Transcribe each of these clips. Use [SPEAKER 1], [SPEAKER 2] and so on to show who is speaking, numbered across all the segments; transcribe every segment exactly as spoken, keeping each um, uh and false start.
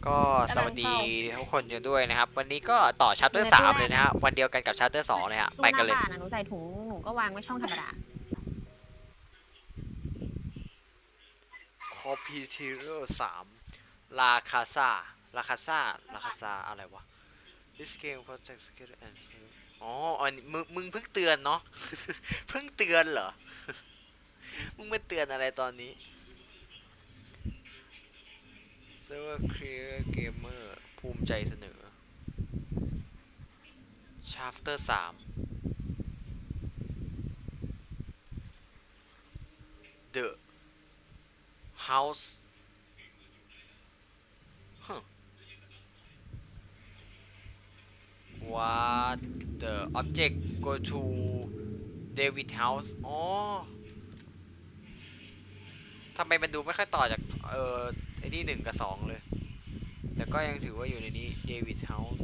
[SPEAKER 1] ก็สวัสดีทุกคนกันด้วยนะครับวันนี้ก็ต่อชัปเตอร์สามเลยนะฮะวันเดียวกันกับชัปเตอร์สองเลยฮะไปกันเลย
[SPEAKER 2] ตู้หน้าบ้านอะหนูใส่ถุงหนูก็วางไว้ช่องธรรมดา
[SPEAKER 1] คอมพิวเตอร์สามลาคาซาลาคาซาลาคาซาอะไรวะ This game project skill and skill อ๋ออันนี้มึงมึงเพิ่งเตือนเนาะ เพิ่งเตือนเหรอ มึงมาเตือนอะไรตอนนี้ Server Clear Gamer ภูมิใจเสนอ Chapter สาม The House huh. What the object go to David House อ๋อทำไมมันดูไม่ค่อยต่อจากเอ่อไอ้นี่หนึ่งกับสองเลยแต่ก็ยังถือว่าอยู่ในนี้ David House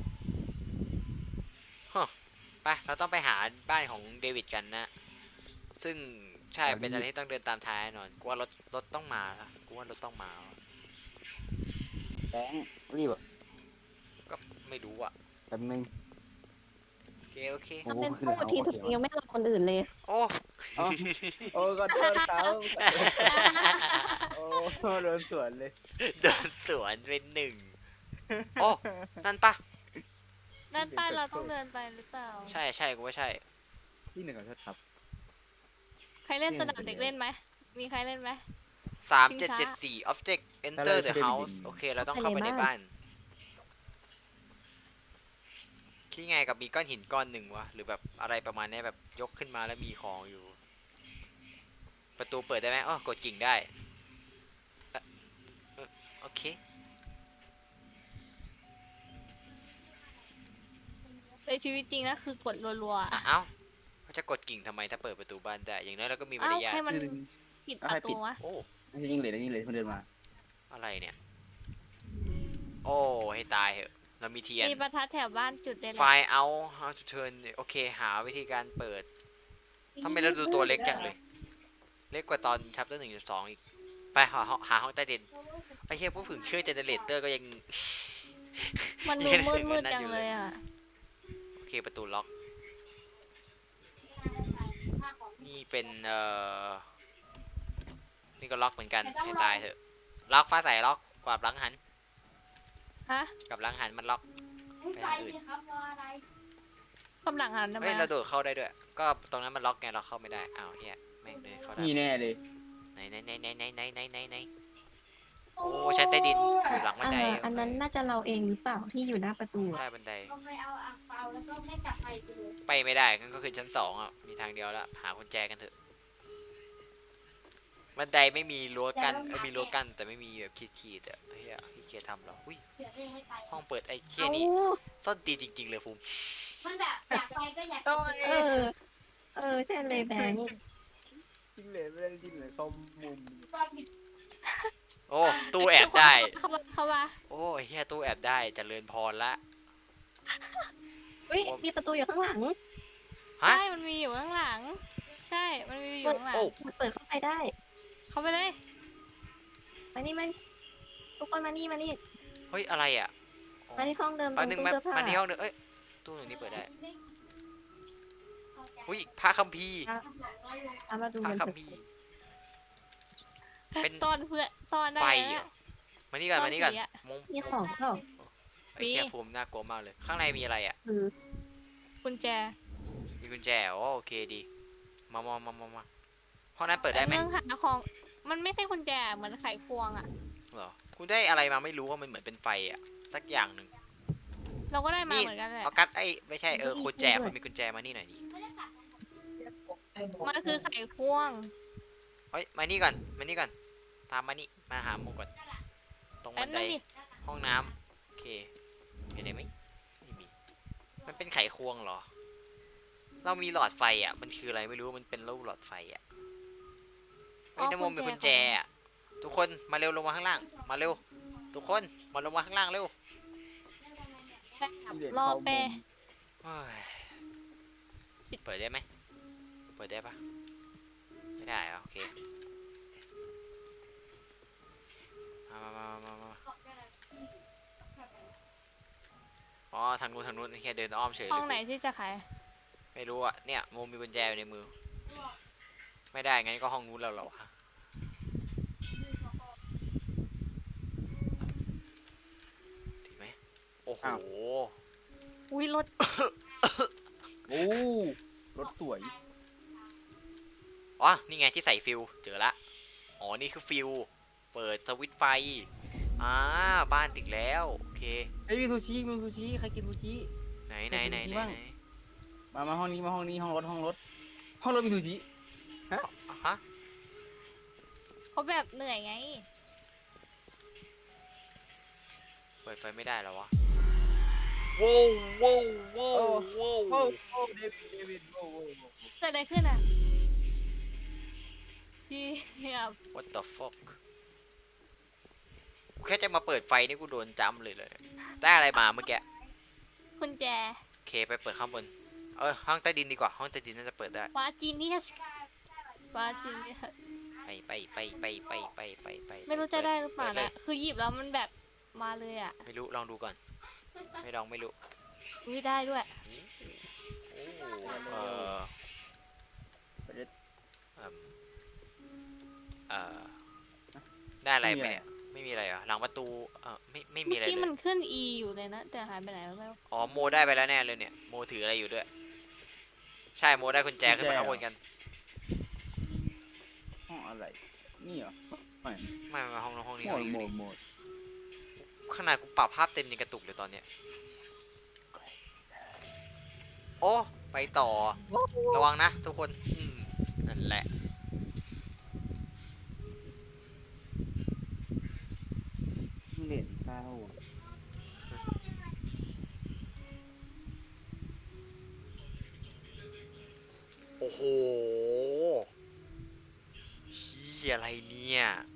[SPEAKER 1] ฮะไปเราต้องไปหาบ้านของเดวิดกันนะซึ่งใช่เป็นอะไรที่ต้องเดินตามท้ายแน่นอนกูว่ารถรถต้องมาละกูว่ารถต้องมา
[SPEAKER 3] แบงค์รีบอ่ะ
[SPEAKER 1] ก็ไม่รู้อ่ะ
[SPEAKER 3] แป๊บนึง
[SPEAKER 1] โอเคโอเค
[SPEAKER 2] ถ้าเป็นตู้ทีถึงยังไม่รอคนอื่นเลย
[SPEAKER 1] โอ้
[SPEAKER 3] อ๋อโอ้ก็โดนเขาโอ้โดนสวนเลย
[SPEAKER 1] เดินสวนเป็นหนึ่งโอ้นั่นปะ
[SPEAKER 4] นั่นป้าเราต้องเดินไปหรือเปล่า
[SPEAKER 1] ใช่ใช่กูว่าใช่
[SPEAKER 3] ที่หนึ่งของชดครับ
[SPEAKER 4] ใครเล่นสนามเด็กเล่นไหม มีใครเล่นไหม
[SPEAKER 1] สามเจ็ดเจ็ดสี่ object enter the
[SPEAKER 3] อะไร
[SPEAKER 1] house โอเคเราต้องเข้าไปในบ้านคิดไงกับมีก้อนหินก้อนหนึ่งวะหรือแบบอะไรประมาณนี้แบบยกขึ้นมาแล้วมีของอยู่ ประตูเปิดได้ไหมอ๋อกดกิ่งได้เอ่อเอ่อโอเค
[SPEAKER 4] ในชีวิตจริงนะคือกดรัวๆ
[SPEAKER 1] อ่ะ
[SPEAKER 4] อะ
[SPEAKER 1] เอ้าเขาจะกดกิ่งทำไมถ้าเปิดประตูบ้านได้ อย่างน้อยเราก็มีมาร
[SPEAKER 4] เอ้าย
[SPEAKER 1] าท
[SPEAKER 4] ใครมัน
[SPEAKER 3] หนึ่ง
[SPEAKER 4] ปิดประตูวะ
[SPEAKER 1] โอ้
[SPEAKER 3] ไม่ใช่ยิงเลยนะยิงเลยมันเดินมา
[SPEAKER 1] อะไรเนี่ย โอ้ ให้ตายเหอะ เรามีเทียน
[SPEAKER 4] มีประทัดแถวบ้านจุดได้เล
[SPEAKER 1] ไฟ
[SPEAKER 4] ย
[SPEAKER 1] ล์เอา how to turn โอเค หาวิธีการเปิดทำไมเราดูตัวเล็กจังเลย เล็กกว่าตอนชัปเตอร์หนึ่งจุดสองอีก ไปหาห้องหาห้องใต้ดินไอ้เหี้ยพวกผึ่งเชื่อเจเนเรเตอร์ก็ยัง
[SPEAKER 4] มันดู
[SPEAKER 1] ยัง
[SPEAKER 4] มื
[SPEAKER 1] ถึ
[SPEAKER 4] ด
[SPEAKER 1] ง
[SPEAKER 4] มื
[SPEAKER 1] อั
[SPEAKER 4] ด
[SPEAKER 1] นนั้น
[SPEAKER 4] จัง
[SPEAKER 1] อยู่
[SPEAKER 4] เล
[SPEAKER 1] เลย
[SPEAKER 4] ยอ่ะ
[SPEAKER 1] โอเคประตูล็อก นี่เป็นเอ่อ นี่ก็ล็อกเหมือนกันให้ตายเถอะ ล็อกฟ้าใสล็อกกวาดหลังหัน
[SPEAKER 4] ฮะ
[SPEAKER 1] กับหลังหันมันล็อกไปทางอื่น
[SPEAKER 4] กำลังหันทำไม
[SPEAKER 1] เฮ้ยเราโดดเข้าได้ด้วย ก็ตรงนั้นมันล็อกไงเราเข้าไม่ได้ อ้าวเฮียแม่งเลยเข้าได้
[SPEAKER 3] นี่แน่เลย
[SPEAKER 1] ไหนไหนไหนไหนไหนไหนไหนไหนไหนโอ้ชั้นใต้ดินอยู่หลังบันได
[SPEAKER 2] เอออันนั้นน่าจะเราเองหรือเปล่าที่อยู่หน้าประตู
[SPEAKER 1] ใต้บันได
[SPEAKER 5] ก็ไปเอาอ่างเปาแล้วก็ไม่กลับไปเลย
[SPEAKER 1] ไปไม่ได้งั้นก็คือชั้นสองอ่ะ มีทางเดียวละหากุญแจกันเถอะ บันไดไม่มีรั้วกั้นเอ้ยมีรั้วกั้นแต่ไม่มีแบบขีดๆอ่ะเฮียขี้เกียจทำหรออุ้ย
[SPEAKER 5] เดี๋ยวไม่ให้ไป
[SPEAKER 1] ห้องเปิดไอ้เคี้ย
[SPEAKER 2] เอ้า
[SPEAKER 1] นี่ซ่อนตีนจริงๆเลยภูมิ
[SPEAKER 5] มันแบบอยากไปก็อยากไป
[SPEAKER 2] เออ เออ ใช่เลยแบงค์
[SPEAKER 3] ยิงเลยไม่ได้ยิงเลยเข้ามุม
[SPEAKER 5] ก็ผิด
[SPEAKER 1] โอ้ตู้แอบได้
[SPEAKER 4] เข้ามาเข้ามา
[SPEAKER 1] โอ้ยเฮียตู้แอบได้เจริญพรละ
[SPEAKER 2] เฮ้ย มีประตูอยู่ข้างหลัง
[SPEAKER 1] ฮะ
[SPEAKER 4] ใช่ มันมีอยู่ข้างหลัง ใช่ มันมีอยู่ข้างหลัง
[SPEAKER 1] โอ้
[SPEAKER 2] มันเปิดเข้าไปได้
[SPEAKER 4] เข้าไปเลย
[SPEAKER 2] มานี่มันทุกคนมานี่มานี่
[SPEAKER 1] เฮ้ยอะไรอ่ะอ๋อ
[SPEAKER 2] มาที่ห้องเดิมตร
[SPEAKER 1] แป๊บ
[SPEAKER 2] ง
[SPEAKER 1] นึง
[SPEAKER 2] ตู้
[SPEAKER 1] มา
[SPEAKER 2] เสื้อผ้า
[SPEAKER 1] มาที่ห้องเดิมเอ้ยตู้หนึ่งนี้เปิดได้อุ้ยพระคัมภีร์
[SPEAKER 2] เอามาดู
[SPEAKER 1] พระ
[SPEAKER 2] มัน
[SPEAKER 1] คั
[SPEAKER 2] เถ
[SPEAKER 1] ม
[SPEAKER 2] อะ
[SPEAKER 1] ภีร์ เป็น
[SPEAKER 4] ซ่อนเพื่อซ่อนได้
[SPEAKER 1] ไฟ
[SPEAKER 4] แล้ว
[SPEAKER 1] เหรอมานี่ก่อนมานี่ก่อน
[SPEAKER 4] ซ่อนผีอะ
[SPEAKER 1] มง
[SPEAKER 2] มีของเปล่า
[SPEAKER 1] ไอ้แค่ภูมิน่ากลัวมากเลย ข้างในมีอะไรอ่ะ
[SPEAKER 2] คือ
[SPEAKER 4] กุญแจ
[SPEAKER 1] มีกุญแจอ๋อโอเคดี มามามามามาห้องนั้นเปิดได้ไหม
[SPEAKER 4] เรื่องหาของ มันไม่ใช่กุญแจ เหมือนไขควงอ่ะ
[SPEAKER 1] เหรอคุณได้อะไรมาไม่รู้ว่ามันเหมือนเป็นไฟอ่ะสักอย่างหนึ่ง
[SPEAKER 4] เราก็ได้มา
[SPEAKER 1] นี่
[SPEAKER 4] เหมือนกันแหละ
[SPEAKER 1] เอากัดไอ้ไม่ใช่เออกุญแจคนมีกุญแจมานี่หน่อยดิ
[SPEAKER 4] มันคือไขควง
[SPEAKER 1] เฮ้ยมานี่ก่อนมานี่ก่อนตามมานี่มาหาโมก่อนตรง
[SPEAKER 4] แป๊
[SPEAKER 1] บั
[SPEAKER 4] บ
[SPEAKER 1] นได
[SPEAKER 4] นึงดิ
[SPEAKER 1] ห้องน้ำโอเคเห็นไหมไม่มีมันเป็นไขควงเหรอ เรามีหลอดไฟอ่ะมันคืออะไรไม่รู้มันเป็นรูปหลอดไฟอ่ะเฮ้ย
[SPEAKER 4] อ๋อ
[SPEAKER 1] น้ำมนต์เป็น
[SPEAKER 4] กุ
[SPEAKER 1] กุ
[SPEAKER 4] ญ
[SPEAKER 1] ญ
[SPEAKER 4] แจ
[SPEAKER 1] แจอ่ะทุกคนมาเร็วลงมาข้างล่าง มาเร็ว ทุกคนมาลงมาข้างล่างเร็ว
[SPEAKER 3] ยิงเลย
[SPEAKER 4] รอ
[SPEAKER 3] เข้า
[SPEAKER 4] เป
[SPEAKER 3] มุม
[SPEAKER 1] เฮ้ยเปิดได้ไหมเปิดได้ปะไม่ได้เหรอโอเคมามามามามาางนู้นทางนู้นแค่เดินอ้อมเฉย
[SPEAKER 4] ห้อง
[SPEAKER 1] เลย
[SPEAKER 4] ไหนที่จะขาย
[SPEAKER 1] ไม่รู้อะเนี่ยโมมีกุญแจอยู่ในมือ ไม่ได้งั้นก็ห้องนู้นแล้วเหรอวะถึงไหมโอ้โห
[SPEAKER 4] อุ้ยรถ
[SPEAKER 3] โอ้รถสวย
[SPEAKER 1] อ๋อนี่ไงที่ใส่ฟิวเจอละอ๋อนี่คือฟิวเปิดสวิตช์ไฟอ่าบ้านติดแล้วโอเค
[SPEAKER 3] เฮ้ยมีซูชิมีซูชิใครกินซูชิ
[SPEAKER 1] ไหนไหนไหนไหนไหน
[SPEAKER 3] มามาห้องนี้มาห้องนี้ห้องรถห้องรถห้องรถมีซูชิ
[SPEAKER 1] อ่ะฮะ
[SPEAKER 4] เขาแบบเหนื่อยไง
[SPEAKER 1] เปิดไฟไม่ได้แล้ววะว้าวว้าวว้าวว้าว
[SPEAKER 3] โอ้โอ้เดวิดเดวิดโอ้โอ้โอ้
[SPEAKER 4] เกิดอะไรขึ้นอ่ะพี่ครับ
[SPEAKER 1] what the fuck กูแค่จะมาเปิดไฟนี่กูโดนจ้ำเลยเลยได้อะไรมาเมื่อกี้
[SPEAKER 4] กุญแจ
[SPEAKER 1] โอเคไปเปิดข้างบนเออห้องใต้ดินดีกว่าห้องใต้ดินน่าจะเปิดได้
[SPEAKER 4] วาจีเนียสวาจีเนียส
[SPEAKER 1] ไปไปไปไปไปไปไปไป
[SPEAKER 4] ไม่รู้จะได้หรือเปล่า
[SPEAKER 1] ปิล
[SPEAKER 4] นะ
[SPEAKER 1] ย
[SPEAKER 4] คือหยิบแล้วมันแบบมาเลยอ่ะ
[SPEAKER 1] ไม่รู้ลองดูก่อน ไม่ลองไม่รู้
[SPEAKER 4] ไม่ได้ด้วย
[SPEAKER 1] โอ้เออ
[SPEAKER 3] ไปเด็ด
[SPEAKER 1] เอิ่มเออได้อะไรไปเนี่ยไม่มีอะไรเหรอ่ะหลังประตูเออไม่ไม่มี
[SPEAKER 4] เมื่อ
[SPEAKER 1] อะไร
[SPEAKER 4] กี้
[SPEAKER 1] เล
[SPEAKER 4] มัน
[SPEAKER 1] ย
[SPEAKER 4] ขึ้น E อยู่เลยนะ แต่หายไปไหนแล้วไม่รู้
[SPEAKER 1] อ๋อโมได้ไปแล้วแน่เลยเนี่ยโมถืออะไรอยู่ด้วย ใช่โมได้กุญแจขึ้นมาข้างบนกัน
[SPEAKER 3] ห้องอะไรนี่เหรอไม่
[SPEAKER 1] ไม่ไม่ห้องนู้นห้องนี้
[SPEAKER 3] โหม
[SPEAKER 1] ห้อง
[SPEAKER 3] ด
[SPEAKER 1] นี้
[SPEAKER 3] โหมดโหมด
[SPEAKER 1] ขนาดกูปรับภาพเต็มยังกระตุกเลยตอนเนี้ยโอ้ไปต่อ ระวังนะทุกคนอืมนั่นแหละ
[SPEAKER 3] เล่นเศร้า
[SPEAKER 1] โอ้โหเฮียอะไรเนี่ย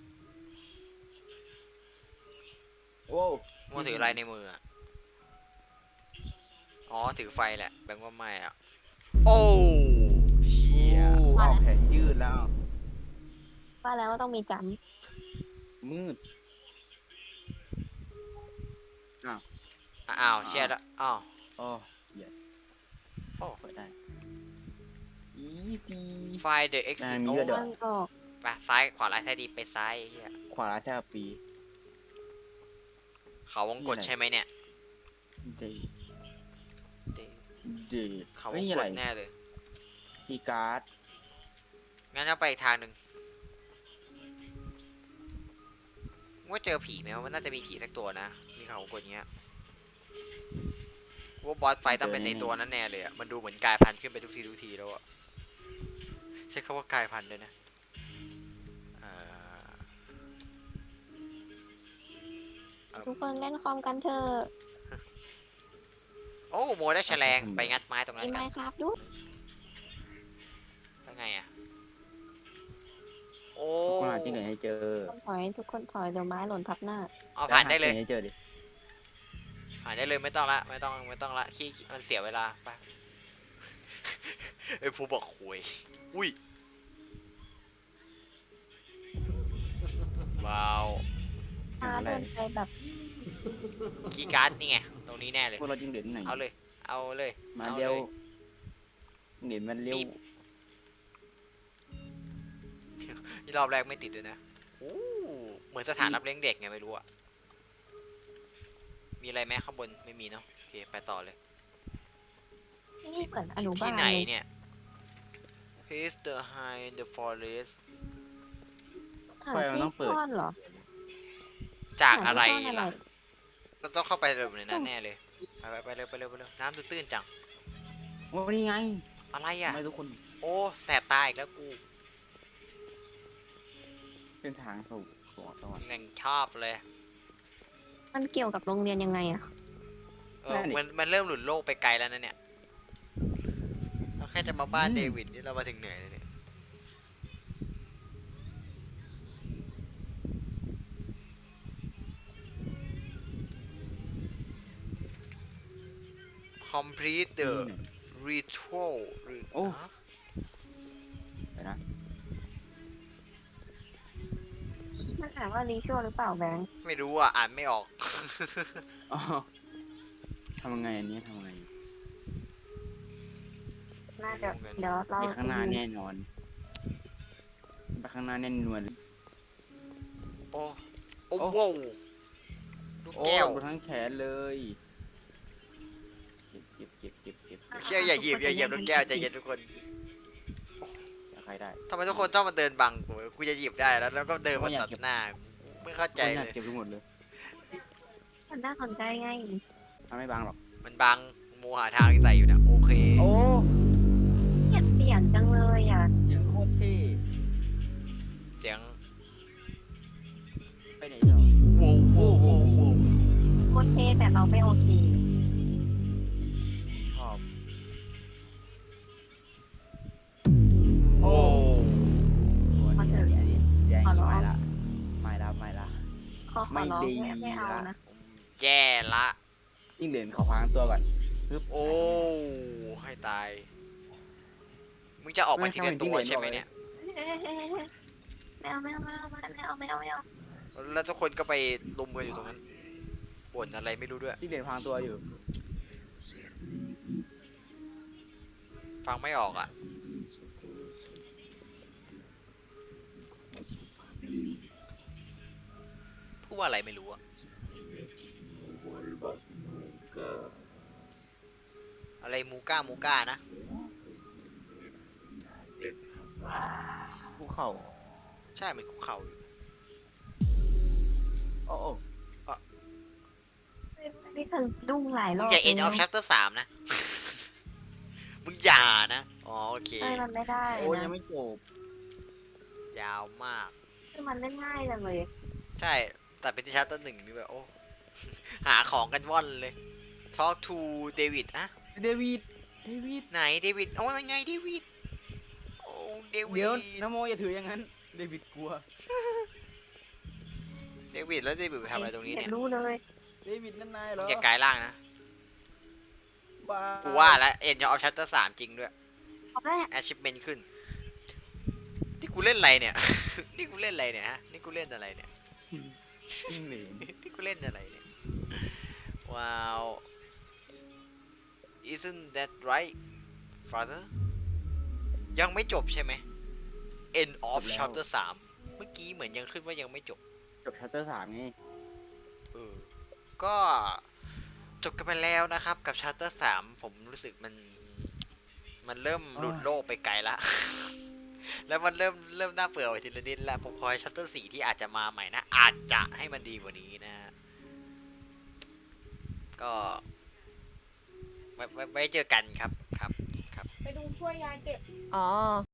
[SPEAKER 3] โอ้
[SPEAKER 1] โมถืออะไรในมืออะอ๋อถือไฟแหละแบงค์ว่าไม่อะโอ้เฮีย
[SPEAKER 3] เอาแขนยืดแล้ว
[SPEAKER 2] ว่าแล้วว่าต้องมีจ
[SPEAKER 3] มืดอ้าว
[SPEAKER 1] อ้าวเชียร์ละอ้าว
[SPEAKER 3] โอ้เหี้ย
[SPEAKER 1] โอ้
[SPEAKER 3] เปิดได้อีซี
[SPEAKER 1] ไฟเดอะเอ็กซ์
[SPEAKER 3] อ่ามี
[SPEAKER 1] โอ้
[SPEAKER 3] ด้วย
[SPEAKER 2] ำ
[SPEAKER 3] เดี๋ยว
[SPEAKER 2] มันออก
[SPEAKER 1] ไปซ้ายขวาร้ายซ้ายดีไปซ้ายเฮีย
[SPEAKER 3] ขวาแช่ปี
[SPEAKER 1] เขาวงกดใช่ไหมเนี่ย
[SPEAKER 3] เด
[SPEAKER 1] เด
[SPEAKER 3] เด
[SPEAKER 1] เขาว
[SPEAKER 3] เฮ้ย
[SPEAKER 1] ง
[SPEAKER 3] นี่
[SPEAKER 1] ก
[SPEAKER 3] อะไร
[SPEAKER 1] ดแน่เลย
[SPEAKER 3] มีการ์ด
[SPEAKER 1] งั้นเราไปอีกทางหนึ่งว่าเจอผีไหมว่ามันน่าจะมีผีสักตัวนะ มีเขาวงกดอย่างเงี้ยกูว่าบอสไฟต้องเป็นในตัวนั้นแน่เลยอะมันดูเหมือนกลายพันธุ์ขึ้นไปทุกทีทุกทีแล้วอะใช้คำว่ากลายพันธุ์ด้วยนะเอ่อเอิ่ม
[SPEAKER 2] ทุกคนเล่นคอมกันเถอะ
[SPEAKER 1] โอ้โมได้แฉลงไปงัดไม้ตรงนั้
[SPEAKER 2] มี
[SPEAKER 1] น
[SPEAKER 2] ไหม
[SPEAKER 1] กัน
[SPEAKER 2] ครับดู
[SPEAKER 1] แล้วไงอะโอ้
[SPEAKER 3] คนหาที่ไหนให้เจอ
[SPEAKER 2] ต้องถอยทุกคนถอยเดี๋ยวไม้หล่นทับหน้า
[SPEAKER 1] เอาผ่านได้เลย
[SPEAKER 3] หที่หให้เจอดิ
[SPEAKER 1] ผ่านได้เลยไม่ต้องละไม่ต้องไม่ต้องละขี้ขี้มันเสียเวลาไป ไอ้ผู้บอกหวยอุ้ยว้าว
[SPEAKER 2] พาเดินไปแบบ
[SPEAKER 1] คีย์การ์ดนี่ไงตรงนี้แน่เลย
[SPEAKER 3] พวกเราจริงเด่นไหน
[SPEAKER 1] เอาเลย เอาเลย
[SPEAKER 3] มา
[SPEAKER 1] อ
[SPEAKER 3] เร็ว
[SPEAKER 1] ลย
[SPEAKER 3] เด่นมันเร็ว
[SPEAKER 1] ปี๊บ นี่รอบแรกไม่ติดด้วยนะโอ้เหมือนสถานรับเลี้ยงเด็กไงไม่รู้อะมีอะไรไหมข้างบนไม่มีเนาะโอเคไปต่อเลย
[SPEAKER 2] นี่เหมือนอนุบา
[SPEAKER 1] ที่
[SPEAKER 2] ล
[SPEAKER 1] ไหน
[SPEAKER 2] เลย
[SPEAKER 1] เนี่ย He's the high in the forest
[SPEAKER 2] หาที่ซ่อนเหรอ
[SPEAKER 1] จากอะไร
[SPEAKER 2] หาที่ซ่น
[SPEAKER 1] ล่ะเราต้องเข้าไปเร็วในนั้นแน่เลยไปไปไปเร็วไปเร็วไปเร็วน้ำตื้นๆจัง
[SPEAKER 3] โอ้นี่ไง
[SPEAKER 1] อะไร
[SPEAKER 3] ทำ
[SPEAKER 1] อ่ะ
[SPEAKER 3] ไมทุกคน
[SPEAKER 1] โอ้แสบตาอีกแล้วกู
[SPEAKER 3] เป็นทางสู่สวงสวรรค์
[SPEAKER 1] แม่งชอบเลย
[SPEAKER 2] มันเกี่ยวกับโรงเรียนยังไงอะ
[SPEAKER 1] เออมันมันเริ่มหลุดโลกไปไกลแล้วนะเนี่ยเราแค่จะมาบ้านเดวิดนี่เรามาถึงเหนื่อยเลยเนี่ย complete the
[SPEAKER 3] นี่ไหน
[SPEAKER 1] ritual
[SPEAKER 3] โอ้
[SPEAKER 1] ฮะ
[SPEAKER 3] เดี๋ยวนะ
[SPEAKER 2] มันอ่านว่ารีชัวหรือเปล่าแบงค์
[SPEAKER 1] ไม่รู้อ่ะ อ่านไม่ออก
[SPEAKER 3] อ๋อทำยังไงอันนี้ทำยังไง
[SPEAKER 2] น่าจะเดี๋ยวเรา
[SPEAKER 3] ไปข้างหน้าแน่นอนไปข้างหน้าแน่นอน
[SPEAKER 1] โอ้โอ้
[SPEAKER 3] โอ้
[SPEAKER 1] โว้วลูก
[SPEAKER 3] โอ้
[SPEAKER 1] แก้ว
[SPEAKER 3] ดูทั้งแขนเลยเก็บเก็บเก็บเก็บเก็บ
[SPEAKER 1] เชี่ยอย่าเหยียบอย่าเหยียบลูกแก้วใจเย็นทุกคน
[SPEAKER 3] อยากใครได้
[SPEAKER 1] ทำไมทุกคนชอบมาเดินบังกูกูจะหยิบได้แล้วแล้วก็เดินมา
[SPEAKER 3] ไม่อยาก
[SPEAKER 1] ตัด
[SPEAKER 3] เก็บ
[SPEAKER 1] หน้าไม่เข้าใจ
[SPEAKER 3] คนอ
[SPEAKER 1] เลย
[SPEAKER 3] าย กเก็บไปหมดเลย
[SPEAKER 2] มันน่าสนใจไง
[SPEAKER 3] ทำไม่บางหรอก
[SPEAKER 1] มันบังโมหาทางที่ใส่อยู่นะโอเค
[SPEAKER 3] โอ้
[SPEAKER 2] เกลียดเสียงจังเลยอ่ะ
[SPEAKER 3] ยังโคตรเท่
[SPEAKER 1] เสียง
[SPEAKER 3] ไปไหนเหรอ
[SPEAKER 1] โว้วโว้วโว้วโว้ว
[SPEAKER 2] โคตรเท่แต่เราไม่โอเค
[SPEAKER 3] ชอบ
[SPEAKER 1] โอ้
[SPEAKER 2] ขอเถอะ
[SPEAKER 3] แย่ง
[SPEAKER 2] ขอร้อง
[SPEAKER 3] ไม่ละไม่ละไม่ละ
[SPEAKER 2] ขอขอร้อง
[SPEAKER 3] ไม่ดี
[SPEAKER 2] ไม่ไม่เอานะ
[SPEAKER 1] แย่ละ
[SPEAKER 3] ยิ่งเหรียญขอพังตัวก่อนปึ๊บ
[SPEAKER 1] โอ้ให้ตายมึงจะออกมาทีละตัวใช่ไหมเนี่ย
[SPEAKER 2] ไม่เอาไม่เอาไม่เอาไม่เอาไม่เอาไม่เอา
[SPEAKER 1] แล้วทุกคนก็ไปลุมกันอยู่ตรงนั้นบ่นอะไรไม่รู้ด้วย
[SPEAKER 3] ยิ่งเหรียญพังตัวอยู่
[SPEAKER 1] ฟังไม่ออกอ่ะพูดว่าอะไรไม่รู้อ่ะอะไรมูก้ามูก้านะ
[SPEAKER 3] ภูเขา
[SPEAKER 1] ใช่มันคุกเข่าอยู่
[SPEAKER 3] โอ้โอ้
[SPEAKER 2] นี่เธอดุ้งหลายร
[SPEAKER 1] มึ
[SPEAKER 2] อง บ
[SPEAKER 1] อย่าเอ็นออฟชัปเตอร์สามนะ มึงอย่านะ อ๋อโอเค
[SPEAKER 2] ใช่มันไม่ได้
[SPEAKER 3] โอ้ยั
[SPEAKER 2] นะ
[SPEAKER 3] งไม่จบ
[SPEAKER 1] ยาวมาก
[SPEAKER 2] คือมันเล่นง่ายจังเลย
[SPEAKER 1] ใช่ แต่เป็นที่ชัปเตอร์หนึ่งนี่แบบโอ้ หาของกันว่อนเลย Talk to David อะ
[SPEAKER 3] เดวิดเดวิด
[SPEAKER 1] ไหนเดวิดโอ้ยไงเดวิด โอ้เดวิ
[SPEAKER 3] เดี๋ยว
[SPEAKER 1] ด
[SPEAKER 3] นโมอย่าถืออย่างนั้นเดวิดกลัว
[SPEAKER 1] เดวิดแล้วเดวิดไปทำอะไรตรงนี้เนี่ย
[SPEAKER 2] รู้เลย
[SPEAKER 3] เดวิดนั่นนายเหร
[SPEAKER 1] มึ
[SPEAKER 3] อง
[SPEAKER 1] อย่ากลายร่างนะ
[SPEAKER 3] บ้า
[SPEAKER 1] กูว่าแล้วเอ็นออฟชัปเตอร์สามจริงด้วย
[SPEAKER 2] เอาแม่
[SPEAKER 1] achievement ขึ้น นี่กูเล่นอะไรเนี่ย นี่กูเล่นอะไรเนี่ยฮะ นี่กูเล่นอะไรเนี่ย
[SPEAKER 3] ยิ่งเหรียญ
[SPEAKER 1] นี่กูเล่นอะไรเนี่ย ว้าว isn't that right father ยังไม่จบใช่ไหม end of chapter สามเมื่อกี้เหมือนยังขึ้นว่ายังไม่จบ
[SPEAKER 3] จบชัตเตอร์สามไง
[SPEAKER 1] เออ ก็จบกันไปแล้วนะครับกับ chapter สามผมรู้สึกมัน มันเริ่มหลุดโลกไปไกลละ แล้วมันเริ่มเริ่มน่าเบื่อไปทีละนิดแล้วผมคอย chapter สี่ที่อาจจะมาใหม่นะ อาจจะให้มันดีกว่านี้นะฮะก็ไว้ไว้ไว้เจอกันครับครับครับ
[SPEAKER 5] ไปดูช่วยยายเก็บ
[SPEAKER 2] อ๋อ